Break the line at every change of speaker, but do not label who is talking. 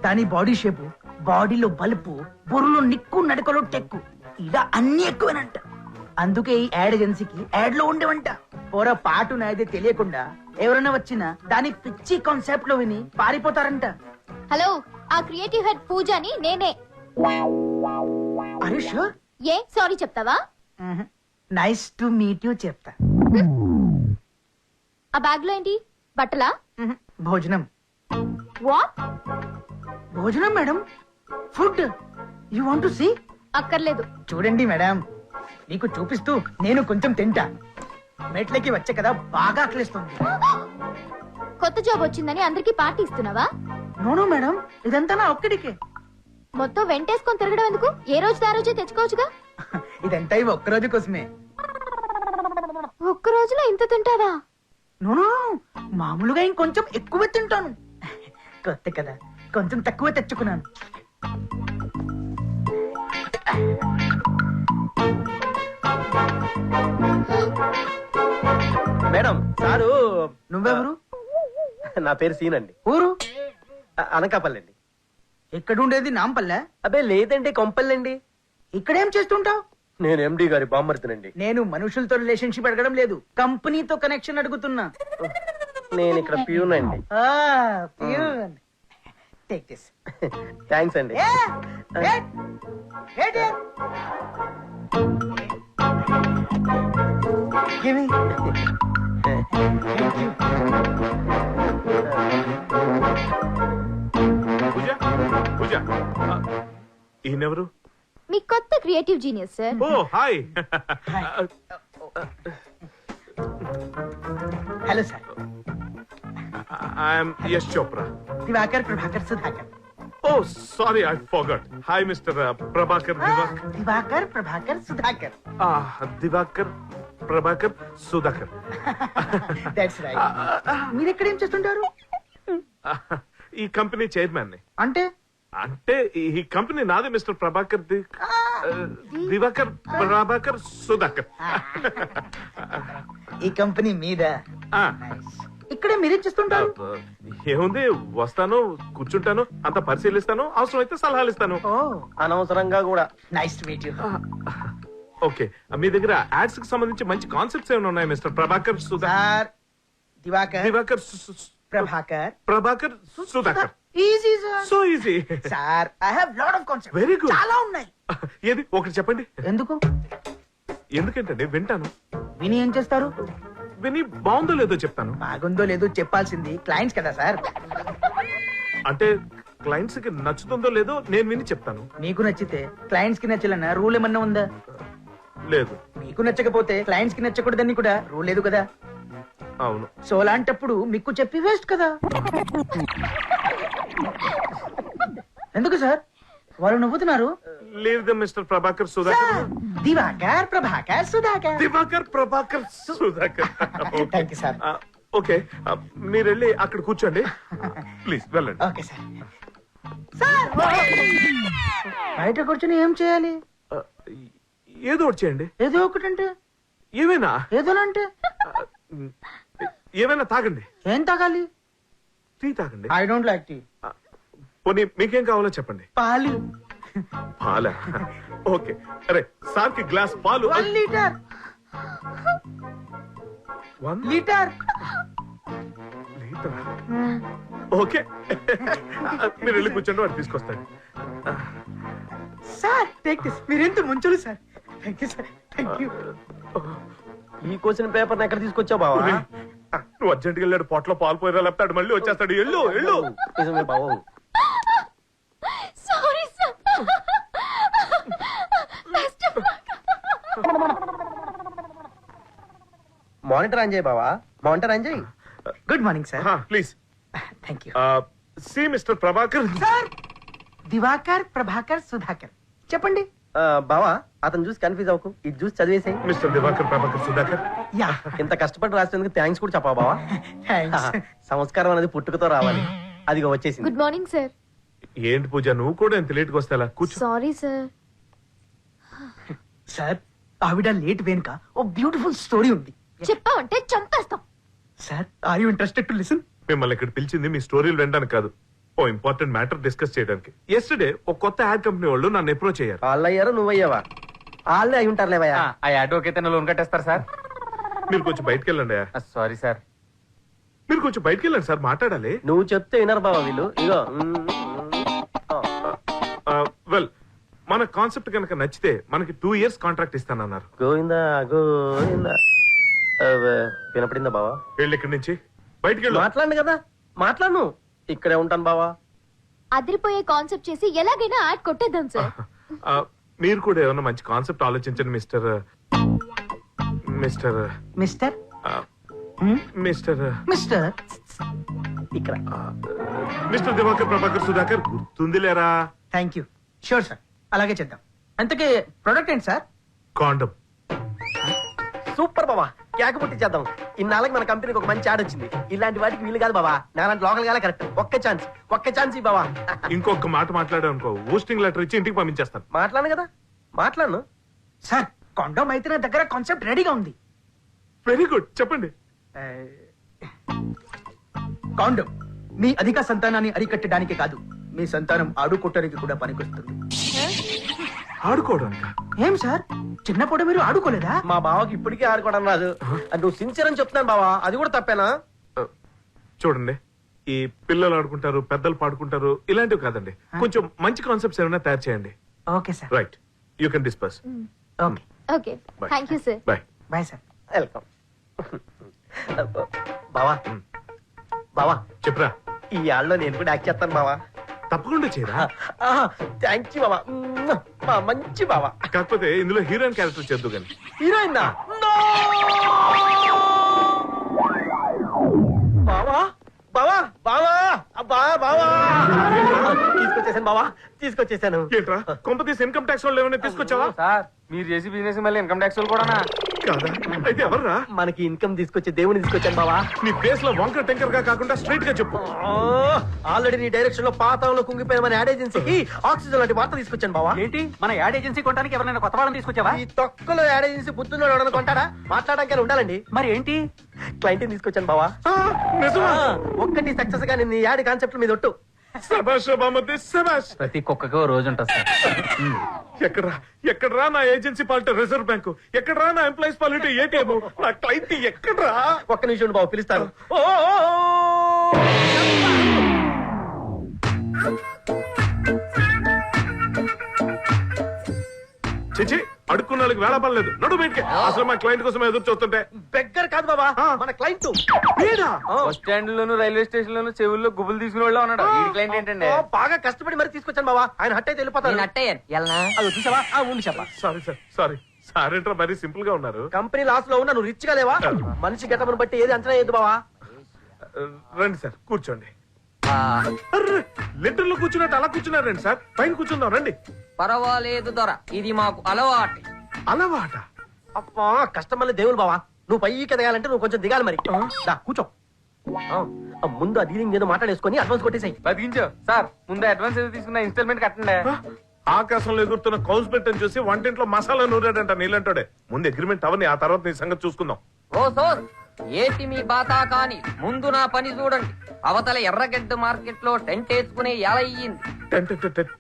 కానీ body shape, బాడీలో బలుపు, బుర్రలో నిక్కు, నడకలో టెక్కు, ఇలా అన్ని ఎక్కువనంట. అందుకే ఈ యాడ్ ఏజెన్సీకి యాడ్ లో ఉండేవంట. పొర పాటు నాదే తెలియకుండా ఎవరైనా వచ్చినా దాని పిచ్చి కాన్సెప్ట్ లో విని పారిపోతారంట.
హలో, ఆ క్రియేటివ్ హెడ్ పూజని నేనే.
Are you sure?
ఏ సారీ చెప్తావా?
నైస్ టు మీట్ యు చెప్తా.
ఆ బ్యాగ్ లో ఏంటి? బట్టలా?
భోజనం.
వాట్?
భోజనం madam, food. You want to see?
అక్కర్లేదు.
చూడండి మేడం, నీకు చూపిస్తూ నేను కొంచెం తింటా. మెట్లకి వచ్చే కదా బాగా ఆకలిస్తుంది.
కొత్త జాబ్ వచ్చిందని అందరికి పార్టీ ఇస్తున్నావా?
నో మేడం, ఇదంతా నా ఒక్కడికే.
మొత్తం వెంటేసుకొని తిరగడం ఎందుకు? ఏ రోజు ఆ రోజే తెచ్చుకోవచ్చుగా.
ఇదంతా ఇవి ఒక్క రోజు కోసమే.
ఒక్క రోజులో ఇంత తింటావా?
నో, మామూలుగా ఇంకొంచెం ఎక్కువ తింటాను. కొత్త కదా, కొంచెం తక్కువ తెచ్చుకున్నాను.
Madam sir.
నువ్వెవరు?
నా పేరు సీన్ అండి.
ఊరు?
అనకాపల్లి అండి.
ఎక్కడుండేది? నాంపల్లె?
అబ్బే లేదండి, కొంపల్లండి.
ఇక్కడేం చేస్తుంటావు?
నేను ఎండి గారి బామ్మర్తినండి.
నేను మనుషులతో రిలేషన్షిప్ అడగడం లేదు, కంపెనీతో కనెక్షన్ అడుగుతున్నా.
నేను ఇక్కడ ప్యూన్ అండి.
Take this.
థ్యాంక్స్ అండి.
పూజ పూజ ఈయనెవరు?
మీ కొత్త క్రియేటివ్ జీనియస్ సార్.
ఓ hi.
Hello sir.
I'm Yash Chopra.
Diwakar Prabhakar Sudhakar.
ఓ sorry, I forgot. Hi mister Prabhakar Diwakar.
Diwakar Prabhakar Sudhakar.
Diwakar Prabhakar Sudhakar.
That's right. మీరు ఎక్కడ ఏం చేస్తుంటారు?
ఈ కంపెనీ చైర్మన్ ని.
అంటే
అంటే ఈ కంపెనీ నాది మిస్టర్ ప్రభాకర్ దివాకర్ ప్రభాకర్ సుధాకర్.
ఈ కంపెనీ మీద.
ఆ,
ఇక్కడే మీరేం చేస్తుంటారు?
ఏముంది, వస్తాను, కూర్చుంటాను, అంత పరిశీలిస్తాను, అవసరం అయితే సలహాలు ఇస్తాను.
ఓ
అనవసరంగా కూడా.
Nice to meet you.
Okay, మీ దగ్గర యాడ్స్ కి సంబంధించి మంచి కాన్సెప్ట్స్ ఏమైనా ఉన్నాయి mister Prabhakar
sir? Diwakar
Diwakar
Prabhakar
Prabhakar Sudhakar.
Easy sir.
So easy.
Sir I have lot of concepts.
Very good.
చాలా ఉన్నాయి.
ఏది ఒకటి చెప్పండి.
ఎందుకు?
ఎందుకంటే వింటాను,
విని ఏం చేస్తారు?
విని బాగుందో లేదో చెప్తాను.
బాగుందో లేదో చెప్పాల్సింది క్లయింట్స్ కదా సార్.
అంటే క్లయింట్స్ కి నచ్చుతుందో లేదో నేను విని చెప్తాను.
మీకు నచ్చితే క్లయింట్స్ కి నచ్చాలన్న రూల్ ఏమన్నా ఉందా?
లేదు.
మీకు నచ్చకపోతే క్లయింట్స్ కి నచ్చకూడదని కూడా రూల్ లేదు కదా.
అవును.
సో అలాంటప్పుడు మీకు చెప్పి వేస్ట్ కదా. ఎందుకు సార్ వాళ్ళు నవ్వుతున్నారు?
లేదు mister Prabhakar Sudhakar.
Diwakar Prabhakar Sudhakar.
Diwakar Prabhakar Sudhakar.
Thank you sir.
Okay, మీరు వెళ్ళి అక్కడ కూర్చోండి ప్లీజ్, వెళ్ళండి.
Okay sir. సార్ బయట కూర్చొని ఏం చేయాలి?
ఏదో ఒకటి చేయండి.
ఏదో ఒకటంటే
ఏమైనా
ఏదోనంటే
ఏమైనా తాగండి.
ఏం తాగాలి?
టీ తాగండి.
I don't like tea.
పోనీ మీకేం కావాలో చెప్పండి.
పాలు.
పాలా? ఓకే, అరే సార్ కి గ్లాస్ పాలు.
1 లీటర్.
1
లీటర్.
లీటర్. ఓకే, మీరు వెళ్ళి కూర్చోండి, వాడు తీసుకొస్తాడు.
Sir take this. మీరెంత ముంచులు sir. Thank you sir. Thank you.
ఈ క్వశ్చన్ పేపర్ ఎక్కడ తీసుకొచ్చావు బావా?
నువ్వు అర్జెంట్గా వెళ్ళాడు, పొట్లో పాలు పోయిరా లేపుతాడు, మళ్ళీ వచ్చేస్తాడు. ఎళ్ళు ఎళ్ళు.
నిజమే బావు.
Sorry sir.
మానిటర్ ఆన్ చేయి బావా, మానిటర్ ఆన్ చేయి.
Good morning sir.
Please.
Thank you
see mister Prabhakar.
Sir. Diwakar Prabhakar Sudhakar. చెప్పండి.
బావా అతను చూసి కన్ఫ్యూజ్ అవ్వకు, ఇది చూసి చదివేసాయి.
మిస్టర్ దివాకర్ ప్రభాకర్ సుధాకర్.
యా.
ఇంత కష్టపడి రాసినందుకు థ్యాంక్స్ కూడా చెప్పా బావా.
థ్యాంక్స్.
సంస్కారం అనేది పుట్టుకతో రావాలి, అదిగో వచ్చేసింది.
Good morning sir.
ఏంటి పూజ, నువ్వు కూడా ఎంత లేట్గా వస్తే ఎలా? కూర్చో.
Sorry sir.
సార్ ఆవిడ లేట్ వెనుక ఓ బ్యూటిఫుల్ స్టోరీ ఉంది.
చెప్పావంటే చంపేస్తాం.
Sir are you interested to listen?
మిమ్మల్ని ఇక్కడ పిలిచింది మీ స్టోరీలు వినడానికి కాదు, ఓ ఇంపార్టెంట్ మ్యాటర్ డిస్కస్ చేయడానికి. ఎస్టర్డే ఒక కొత్త యాడ్ కంపెనీ వాళ్ళు నన్ను అప్రోచ్ అయ్యారు.
వాళ్ళు అయ్యారు, నువ్వయ్యావా? వాళ్ళే అయి ఉంటారులేవయ్యా.
ఆ యాడ్ ఓకే లోన్ కట్టేస్తారు సార్.
మీరు కొంచెం బయటకు వెళ్ళండి.
Sorry sir.
మీరు కొంచెం బయటకు వెళ్ళండి సార్, మాట్లాడాలి.
నువ్వు చెప్తే వినరు బావా వీళ్ళు. ఇగో
వెల్, మన కాన్సెప్ట్ కనుక నచ్చితే మనకి 2 years కాంట్రాక్ట్ ఇస్తానన్నారు.
గోవిందా గోవిందా. వినపడిందా బావా?
వెళ్ళి ఇక్కడి నుంచి బయటికి వెళ్ళు.
మాట్లాడు కదా, మాట్లాడు. ఇక్కడే ఉంటాను బావా.
అదిరిపోయే కాన్సెప్ట్ చేసి ఎలాగైనా యాడ్ కొట్టేద్దాం సార్.
ఆ, మీరు కూడా ఏమన్నా మంచి కాన్సెప్ట్ ఆలోచించండి mister mister
mister
mister
mister
ఇక్కడ
మిస్టర్ దివాకర్ ప్రభాకర్ సుధాకర్ గుర్తుందిలేరా?
Thank you. షూర్ సార్, అలాగే చేద్దాం. అంతకే ప్రొడక్ట్ ఏంటి సార్?
కాండం.
సూపర్ బావా, కేక పుట్టి చేద్దాం. ఇన్నాళ్ళకి మన కంపెనీకి ఒక మంచి యాడ్ వచ్చింది. ఇలాంటి వాటికి వీలు కాదు బావా, నాలాంటి లోకల్ గాలే కరెక్ట్. ఒక్క ఛాన్స్ ఈ బావా.
ఇంకొక మాట మాట్లాడావు అనుకో, ఊస్టింగ్ లెటర్ ఇచ్చి ఇంటికి పంపించేస్తాను.
మాట్లాడు కదా, మాట్లాడు.
సార్ కొండం అయితే నా దగ్గర కాన్సెప్ట్ రెడీగా ఉంది.
వెరీ గుడ్, చెప్పండి.
కాండం మీ అధిక సంతానాన్ని అరికట్టడానికి కాదు, మీ సంతానం ఆడుకోవటానికి కూడా పనికొస్తుంది.
ఆడుకోవడానికి?
ఏం సార్, చిన్నప్పుడు మీరు ఆడుకోలేదా?
మా బావకి ఇప్పటికీ ఆడుకోవడం రాదు. నువ్వు సిన్సియర్ అని చెప్తున్నాను బావా, అది కూడా తప్పేనా?
చూడండి, ఈ పిల్లలు ఆడుకుంటారు, పెద్దలు పాడుకుంటారు, ఇలాంటివి కాదండి. కొంచెం మంచి కాన్సెప్ట్స్ ఏమైనా తయారు చేయండి.
Okay sir.
Right, you can disperse.
Okay
okay, thank you sir.
Bye.
Bye sir.
Welcome బావా. బావా
చెప్పరా.
ఈ యాడ్లో నేను కూడా యాక్ట్ చేస్తాను బావా.
తప్పకుండా చేయరా.
థ్యాంక్ యూ బావా. మా మంచి బావా.
కాకపోతే ఇందులో హీరోయిన్ క్యారెక్టర్ చేద్దు కానీ.
హీరోయిన్ బావా బావా బావా అబ్బా బావా. తీసుకొచ్చేసాను బావా, తీసుకొచ్చేసాను.
ఏంట్రా, కొంప తీసి ఇన్కమ్ ట్యాక్స్ వాళ్ళు ఏమైనా తీసుకొచ్చావా?
సార్ మీరు చేసి బిజినెస్ మళ్ళీ ఇన్కమ్ ట్యాక్స్ కూడా
కాదా? అయితే ఎవర్రా?
మనకి ఇన్కమ్ తీసుకొచ్చే దేవుని తీసుకొచ్చాను బావా.
నీ ఫేస్ లో వంకర టెంకర్ గా కాకుండా స్ట్రైట్ గా చెప్పు.
ఆల్రెడీ నీ డైరెక్షన్ లో పాతంలో కుంగిపోయిన మన యాడ్ ఏజెన్సీకి ఆక్సిజన్ లాంటి వార్త తీసుకొచ్చాను బావా.
ఏంటి, మన యాడ్ ఏజెన్సీ కొనడానికి ఎవరైనా కొత్త వాళ్ళని తీసుకొచ్చావా?
ఈ తొక్కలో యాడ్ ఏజెన్సీ బుద్ధున్నాడు ఎవడన్నా కొంటాడా? మాట్లాడడానికి ఉండాలండి.
మరి ఏంటి?
క్లయింట్ తీసుకొచ్చాను బావా.
నిజమా?
ఒక్కటి సక్సెస్ గా నేను యాడ్ కాన్సెప్ట్ మీద ఒట్టు.
శభాష్ బామతి, శభాష్.
ప్రతి కుక్కకి ఓ రోజు ఉంటుంది సార్.
ఎక్కడరా నా ఏజెన్సీ పాలిటీ రిజర్వ్ బ్యాంకు? ఎక్కడరా నా ఎంప్లాయీస్ పాలిటీ ఏటీఎం? నా క్లయింట్ ఎక్కడరా?
ఒక్క నిమిషం బాబు, పిలుస్తాను.
చిచి, అడుక్కున్న వాళ్ళకి వేళ పడలేదు. నడు బయటికి. అసలు మా క్లయింట్ కోసం ఎదురు చూస్తుంటే.
బెగ్గర్ కాదు బాబా, మన క్లయింట్.
బస్ స్టాండ్ లోను, రైల్వే స్టేషన్ లోను చెవుల్లో గుబులు తీసుకునే వాళ్ళు ఉన్నాడు. ఈ క్లయింట్ ఏంటండి?
బాగా కష్టపడి మరి తీసుకొచ్చాను బాబా. ఆయన హట్ అయితే వెళ్ళిపోతాను. అది చూసావా? ఉండి చెప్పా.
Sorry sir, sorry. సార్ ఏంట్రా మరీ సింపుల్ గా ఉన్నారు?
కంపెనీ లాస్ లో ఉన్నా నువ్వు రిచ్ గా లేవా? మనిషి గెటప్ను బట్టి ఏది అంచనా వేయద్దు బావా.
రండి సార్, కూర్చోండి. లెటర్ లో కూర్చున్నట్టు అలా కూర్చున్నారండి సార్. పైన కూర్చుందాం రండి.
పర్వాలేదు దొర, ఇది మాకు అలవాటు.
అలవాట?
అబ్బా, కస్టమర్లు దేవులు బావా. నువ్వు పైకి ఎదగాలంటే నువ్వు కొంచెం దిగాలి మరి. దా కూర్చో. ముందు ఆ డీలింగ్ ఏదో మాట్లాడేసుకొని అడ్వాన్స్ కొట్టేసాయి.
బతికించో సార్. ముందు అడ్వాన్స్ ఏదో తీసుకున్న ఇన్స్టాల్మెంట్ కట్టండి.
ఆకాశంలో ఎగురుతున్న కౌస్ పెట్టని చూసి వంటింట్లో మసాలా నూరాడంట నీళ్ళంటాడే. ముందు అగ్రిమెంట్ అవని, ఆ తర్వాత నీ సంగతి చూసుకుందాం.
ఓ సోర్, ఏటి మీ బాతా కాని ముందు నా పని చూడండి. అవతల ఎర్రగడ్డ మార్కెట్ లో టెంట్ వేసుకునే ఎలా అయ్యింది.